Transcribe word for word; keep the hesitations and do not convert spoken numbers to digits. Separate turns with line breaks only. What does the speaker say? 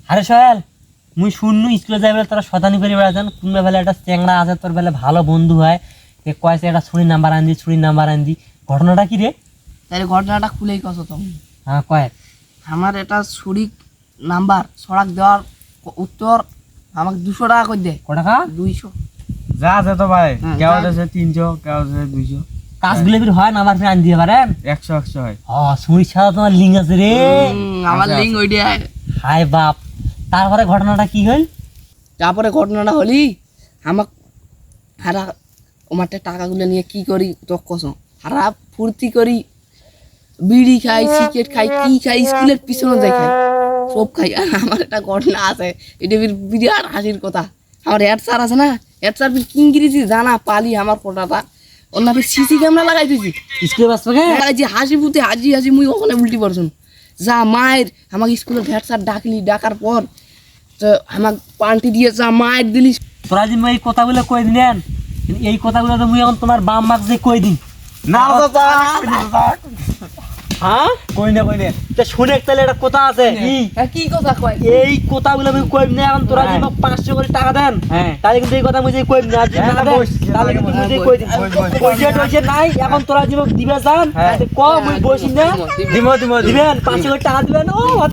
আরে সোহেল মুই শুননু স্কুলে যাই বলে তোরা শতানি করে বেড়াতেন কোন বেলা একটা চ্যাংড়া আছে তোর বেলা ভালো বন্ধু হয় তে কয়েছে একটা ছুরির নাম্বার আন দি ছুরির নাম্বার আন দি ঘটনাটা কি রে?
তাহলে ঘটনাটা খুলেই কছো তুমি।
হ্যাঁ কয়েক
আমার এটা ছুরি নাম্বার সড়াক দেওয়ার উত্তর আমাকে দুশো টাকা করে দেয়।
ক টাকা?
দুইশো।
যা আছে তো ভাই,
হ্যাঁ,
কেউ
যা।
আছে তিনশো, কেউ আছে দুইশো,
কাজগুলো ফির হয় নাম্বার ফির আন দিয়ে পারেন?
একশো একশো হয়।
হ ছুরির সাথে তোমার লিঙ্ক আছে রে।
হুম, আমার
আচ্ছা,
লিঙ্ক ওইটাই।
হাই বাপ, তারপরে ঘটনাটা কি হল?
তারপরে ঘটনাটা হলি আমাক হারা ওমারটা টাকাগুলো নিয়ে কি করি তো কসম হারা ফুর্তি করি, বিড়ি খাই, সিগারেট খাই, কি খাই, স্কুলের পিছনে যাই খাই, সব খাই। আর আমার একটা ঘটনা আছে, এটা বি- বিরাট হাসির কথা। আমার হেড স্যার আছে না, হেড স্যার কি ইংরেজি জানা পালি আমার কথাটা অন্য সিসি ক্যামেরা লাগাই দিয়েছি,
স্কুলে বাস পাকে?
লাগাইছি হাসি ফুটে হাসি হাসি মুই ওখানে উল্টি পড়ছুন। যা মায়ের আমাকে স্কুলের হেড স্যার ডাকলি, ডাকার পর তো আমাকে পাল্টি দিয়ে যা মায়ের দিলি।
তোরা যে মুই এই কথাগুলো কই দিলেন, এই কথাগুলো তো মুই এখন তোমার বাম মাক যে কই দিন।
না দাদা,
হ্যাঁ
কই না কই না।
তা শুনে তাহলে একটা কথা আছে কি?
হ্যাঁ, কি কথা কয়?
এই কথাগুলো আমি কইব না এখন তোরা যে আমাকে পাঁচশো করে টাকা দেন
হ্যাঁ।
তাহলে কিন্তু এই কথা মুই যে কইব না আর যদি
হ্যাঁ,
না দেন
বস,
তাহলে কিন্তু মুই যে
বস,
কই দিন
বস, বস, বস।
পয়সা টয়সা নাই এখন তোরা যে আমাকে দিবে যান
হ্যাঁ।
ক মুই বসি না
দিমো দিমো দিমো।
দিবেন পাঁচশো করে টাকা দিবেন ও